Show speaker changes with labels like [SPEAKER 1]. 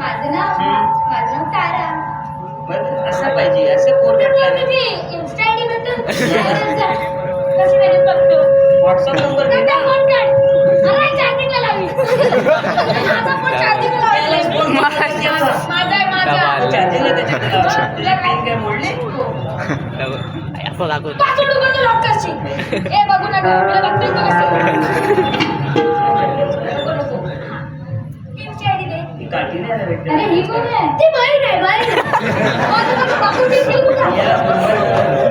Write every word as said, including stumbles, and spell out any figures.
[SPEAKER 1] माझं नाव माझं नाव तारा.
[SPEAKER 2] बरं असं पाहिजे, असं पोर भेटला
[SPEAKER 1] तुझी इन्स्टा आयडी बद्दल कशी व्हिडिओ बघतो.
[SPEAKER 2] व्हॉट्सअप नंबर दे
[SPEAKER 1] नंतर
[SPEAKER 2] ना.
[SPEAKER 1] फोन कर. अरे चार्जिंगला लावी. माझा फोन चार्जिंगला लावलाय.
[SPEAKER 2] फोन मला घ्यायचा.
[SPEAKER 1] माझा आहे माझा.
[SPEAKER 2] चार्जिंगला त्याच्यात लावा. तुझी पेन काय मोडली?
[SPEAKER 3] असं दाखवतो.
[SPEAKER 1] पासवर्ड उघडून लॉक करशील. ए बघू नका. तुला बघतोय तो कसं. नको नको. इन्स्टा आयडी दे.
[SPEAKER 2] ती काठी नाही आला भेटते.
[SPEAKER 1] अरे ही कोण आहे? ती बहीण आहे बहीण. माझं बघू बघू ती कुठं?
[SPEAKER 2] याला फोन कर.